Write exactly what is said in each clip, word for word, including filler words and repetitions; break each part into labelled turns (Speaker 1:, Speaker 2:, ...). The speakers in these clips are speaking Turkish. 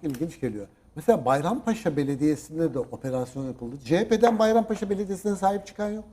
Speaker 1: ilginç geliyor. Mesela Bayrampaşa Belediyesi'nde de operasyon yapıldı. C H P'den Bayrampaşa Belediyesi'ne sahip çıkan yok.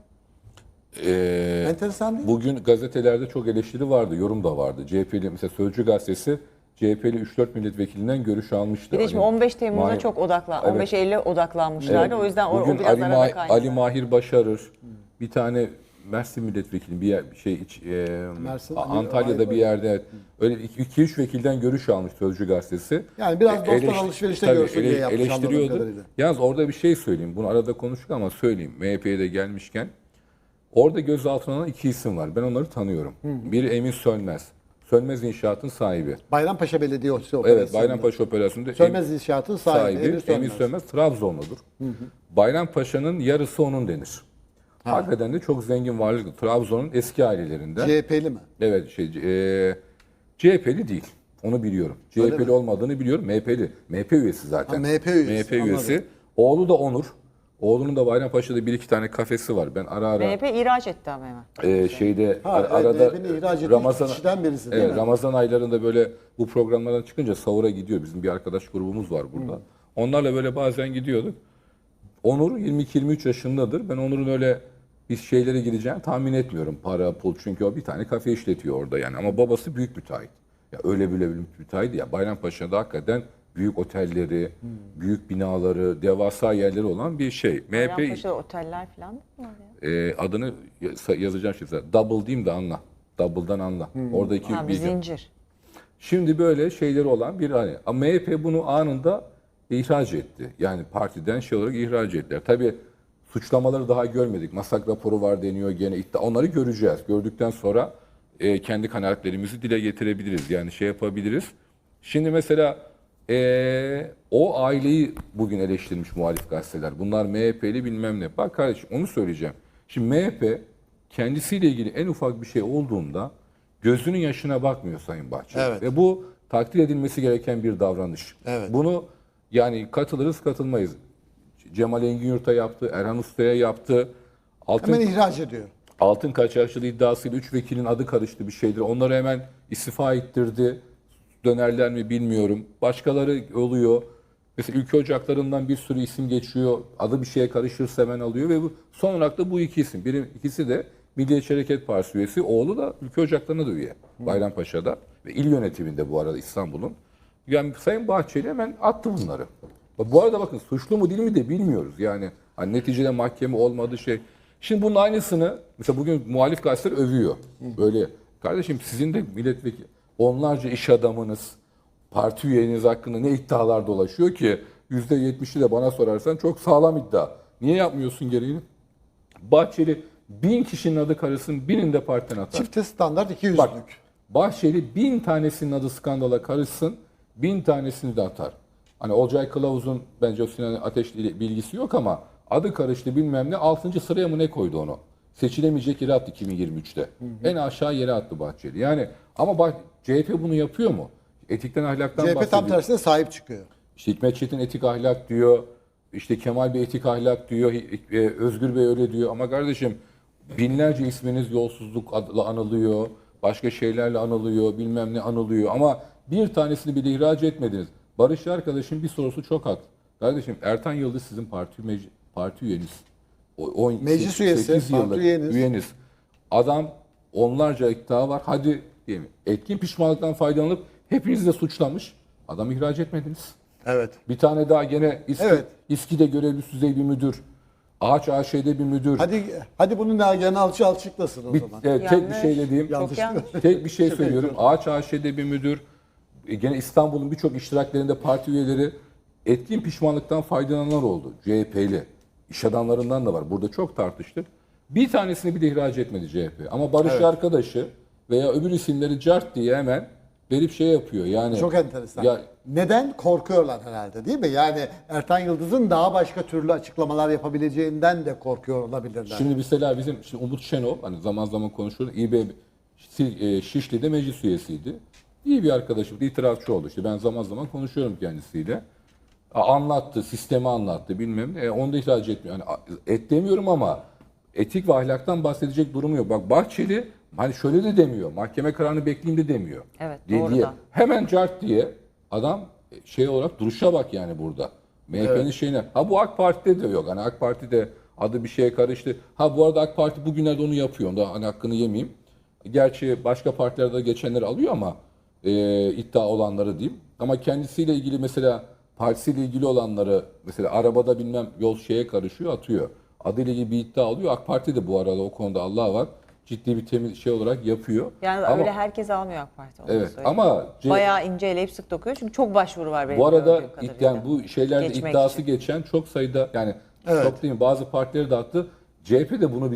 Speaker 2: Ee,
Speaker 1: Enteresan değil mi?
Speaker 2: Bugün gazetelerde çok eleştiri vardı, yorum da vardı. C H P'li mesela Sözcü gazetesi C H P'li üç dört milletvekilinden görüş almıştı.
Speaker 3: Bir de şimdi
Speaker 2: Hani
Speaker 3: on beş Temmuz'a
Speaker 2: Mahir-
Speaker 3: çok odaklan,
Speaker 2: Evet.
Speaker 3: on beş Eylül'e odaklanmışlardı.
Speaker 2: Evet.
Speaker 3: O yüzden o, o
Speaker 2: Bugün
Speaker 3: biraz
Speaker 2: Ali,
Speaker 3: arada
Speaker 2: Ma-
Speaker 3: kaynadı.
Speaker 2: Ali Mahir Başarır, bir tane Mersin milletvekili bir yer, bir şey iç, e,
Speaker 1: Mersin,
Speaker 2: A-
Speaker 1: Ali
Speaker 2: Antalya'da
Speaker 1: Mahir
Speaker 2: bir yerde evet, öyle iki üç vekilden görüş almış Sözcü gazetesi.
Speaker 1: Yani biraz dostlar
Speaker 2: Eleş-
Speaker 1: alışverişte
Speaker 2: tabii
Speaker 1: görsün diye
Speaker 2: ele-
Speaker 1: yapmış anladığım
Speaker 2: eleştiriyordu.
Speaker 1: kadarıyla.
Speaker 2: Yalnız orada bir şey söyleyeyim. Bunu arada konuştuk ama söyleyeyim. M H P'ye de gelmişken. Orada gözaltına alınan iki isim var. Ben onları tanıyorum. Biri Emin Sönmez. Sönmez İnşaat'ın sahibi.
Speaker 1: Bayrampaşa Belediyesi
Speaker 2: Evet,
Speaker 1: operasyonu.
Speaker 2: Bayrampaşa Operasyonunda
Speaker 1: Sönmez İnşaat'ın sahibi,
Speaker 2: sahibi
Speaker 1: Emir Sönmez.
Speaker 2: Emin Sönmez Trabzonludur. Bayrampaşa'nın yarısı onun denir. Hakikaten de çok zengin varlıklı. Trabzon'un eski ailelerinden.
Speaker 1: C H P'li mi?
Speaker 2: Evet, şey, e, C H P'li değil. Onu biliyorum. C H P'li
Speaker 1: mi?
Speaker 2: olmadığını biliyorum. M H P'li. M H P üyesi zaten.
Speaker 1: Ha, M H P üyesi,
Speaker 2: M H P üyesi.
Speaker 1: anladım.
Speaker 2: Oğlu da Onur. Oğlunun da Bayrampaşa'da bir iki tane kafesi var. Ben ara ara
Speaker 3: M H P ihraç etti ama hemen.
Speaker 2: e, şeyde
Speaker 1: Ha,
Speaker 2: ar-
Speaker 1: evet,
Speaker 2: arada
Speaker 1: M H P'nin ihraç ettiği
Speaker 2: Ramazan
Speaker 1: kişiden birisi değil
Speaker 2: evet,
Speaker 1: mi?
Speaker 2: Ramazan aylarında böyle bu programlardan çıkınca sahura gidiyor. Bizim bir arkadaş grubumuz var burada. Onlarla böyle bazen gidiyorduk. Onur yirmi iki yirmi üç yaşındadır. Ben Onur'un öyle bir şeylere gireceğini tahmin etmiyorum. Para, pul, çünkü o bir tane kafe işletiyor orada yani. Ama babası büyük müteahhit. Ya öyle bile büyük müteahhit ya. Bayrampaşa'da hakikaten büyük otelleri, büyük binaları, devasa yerleri olan bir şey. M H P
Speaker 3: Bayrampaşa'da oteller falan mı var ya?
Speaker 2: e, adını ya- yazacağım şimdi. Double diyeyim de anla. Double'dan anla. Oradaki
Speaker 3: Ha, bir
Speaker 2: bilgi.
Speaker 3: zincir.
Speaker 2: Şimdi böyle şeyleri olan bir hani. Ama M H P bunu anında ihraç etti. Yani partiden şey olarak ihraç ettiler. Tabii suçlamaları daha görmedik. Masak raporu var deniyor gene. iddia- Onları göreceğiz. Gördükten sonra e, kendi kanaatlerimizi dile getirebiliriz. Yani şey yapabiliriz. Şimdi mesela e, o aileyi bugün eleştirmiş muhalif gazeteler. Bunlar M H P'li bilmem ne. Bak kardeşim onu söyleyeceğim. Şimdi M H P kendisiyle ilgili en ufak bir şey olduğunda gözünün yaşına bakmıyor Sayın Bahçeli.
Speaker 1: Evet.
Speaker 2: Ve bu takdir edilmesi gereken bir davranış.
Speaker 1: Evet.
Speaker 2: Bunu yani katılırız katılmayız. Cemal Engin yaptı, Erhan Usta'ya yaptı. Altın,
Speaker 1: Hemen ihraç ediyor.
Speaker 2: altın kaçakçılığı iddiasıyla üç vekilin adı karıştı bir şeydir. Onları hemen istifa ettirdi. Dönerler mi bilmiyorum. Başkaları oluyor. Mesela ülke ocaklarından bir sürü isim geçiyor. Adı bir şeye karışırsa hemen alıyor ve bu, son olarak da bu iki isim. Biri, ikisi de Milliyetçi Hareket Partisi üyesi. Oğlu da ülke ocaklarına da üye. Bayrampaşa'da ve il yönetiminde bu arada İstanbul'un. Yani Sayın Bahçeli hemen attı bunları. Bu arada bakın suçlu mu değil mi de bilmiyoruz. Yani hani neticede mahkeme olmadı şey. Şimdi bunun aynısını mesela bugün muhalif gazeteler övüyor. Böyle kardeşim sizin de milletvekili onlarca iş adamınız, parti üyeniz hakkında ne iddialar dolaşıyor ki yüzde yetmişi de bana sorarsan çok sağlam iddia. Niye yapmıyorsun gereğini? Bahçeli bin kişinin adı karışsın, birinin de partiden atar.
Speaker 1: Çifte standart iki
Speaker 2: Bak,
Speaker 1: yüzlük.
Speaker 2: Bahçeli bin tanesinin adı skandala karışsın, bin tanesini de atar. Hani Olcay Kılavuz'un bence o Sinan Ateş'le bilgisi yok ama adı karıştı bilmem ne, altıncı sıraya mı ne koydu onu? Seçilemeyecek yere attı iki bin yirmi üçte. Hı hı. En aşağı yere attı Bahçeli. Yani ama bak C H P bunu yapıyor mu? Etikten ahlaktan
Speaker 1: C H P
Speaker 2: bahsediyor.
Speaker 1: tam tersine sahip çıkıyor.
Speaker 2: İşte Hikmet Çetin etik ahlak diyor. İşte Kemal Bey etik ahlak diyor. e, Özgür Bey öyle diyor. Ama kardeşim binlerce isminiz yolsuzluk adla anılıyor. Başka şeylerle anılıyor. Bilmem ne anılıyor. Ama bir tanesini bile ihraç etmediniz. Barış arkadaşım bir sorusu çok haklı. Kardeşim Ertan Yıldız sizin parti mec- parti üyeniz. O, on,
Speaker 1: Meclis üyesi,
Speaker 2: sekiz
Speaker 1: parti
Speaker 2: yıllık
Speaker 1: üyeniz.
Speaker 2: üyeniz. Adam onlarca iddia var. Hadi diyelim. Etkin pişmanlıktan faydalanıp hepinizi de suçlamış. Adam ihraç etmediniz.
Speaker 1: Evet.
Speaker 2: Bir tane daha gene İSKİ,
Speaker 1: Evet.
Speaker 2: İSKİ'de görevli düzey bir müdür. Ağaç A Ş'de bir müdür.
Speaker 1: Hadi hadi bunu Nagihan Alçı açıklasın o
Speaker 2: bir,
Speaker 1: zaman.
Speaker 2: e, tek bir
Speaker 3: Yanlış.
Speaker 2: şey dediğim,
Speaker 1: Yanlış.
Speaker 3: Çok yanlış.
Speaker 2: tek bir şey
Speaker 1: Çok
Speaker 2: söylüyorum. Ağaç A Ş'de bir müdür. E, gene İstanbul'un birçok iştiraklerinde parti üyeleri etkin pişmanlıktan faydalananlar oldu. C H P'li. İş adamlarından da var. Burada çok tartıştık. Bir tanesini bile ihraç etmedi C H P. Ama Barış
Speaker 1: Evet.
Speaker 2: arkadaşı veya öbür isimleri cart diye hemen verip şey yapıyor. Yani
Speaker 1: Çok enteresan.
Speaker 2: Ya,
Speaker 1: Neden? Korkuyorlar herhalde değil mi? Yani Ertan Yıldız'ın daha başka türlü açıklamalar yapabileceğinden de korkuyor olabilirler.
Speaker 2: Şimdi mesela bizim şimdi Umut Şenol hani zaman zaman konuşuyoruz. İB e, Şişli'de meclis üyesiydi. İyi bir arkadaşım, itirafçı oldu. İşte ben zaman zaman konuşuyorum kendisiyle. Anlattı, sistemi anlattı bilmem ne. E, onu da ihraç etmiyor. Yani et demiyorum ama etik ve ahlaktan bahsedecek durumu yok. Bak Bahçeli hani şöyle de demiyor. Mahkeme kararını bekleyeyim de demiyor.
Speaker 3: Evet,
Speaker 2: diye,
Speaker 3: doğru
Speaker 2: diye.
Speaker 3: da.
Speaker 2: Hemen cart diye adam şey olarak duruşa bak yani burada. M H P'nin şeyine. Ha bu AK Parti'de de yok. Hani AK Parti'de adı bir şeye karıştı. Ha bu arada AK Parti bugünlerde onu yapıyor. Onda hani hakkını yemeyeyim. Gerçi başka partilerde geçenleri alıyor ama e, iddia olanları diyeyim. Ama kendisiyle ilgili mesela partisiyle ilgili olanları mesela arabada bilmem yol şeye karışıyor atıyor. Adıyla ilgili bir iddia alıyor. AK Parti de bu arada o konuda Allah var. Ciddi bir temiz şey olarak yapıyor.
Speaker 3: Yani
Speaker 2: ama,
Speaker 3: öyle herkes almıyor AK Parti. onu da
Speaker 2: Evet
Speaker 3: söyleyeyim.
Speaker 2: ama C-
Speaker 3: Bayağı ince eleyip sık dokuyor çünkü çok başvuru var benim
Speaker 2: bu arada
Speaker 3: gördüğüm
Speaker 2: id-
Speaker 3: kadarıyla.
Speaker 2: yani bu şeylerde
Speaker 3: Geçmek
Speaker 2: iddiası
Speaker 3: için.
Speaker 2: geçen çok sayıda yani
Speaker 1: Evet.
Speaker 2: çok değil mi bazı partileri dağıttı. C H P de bunu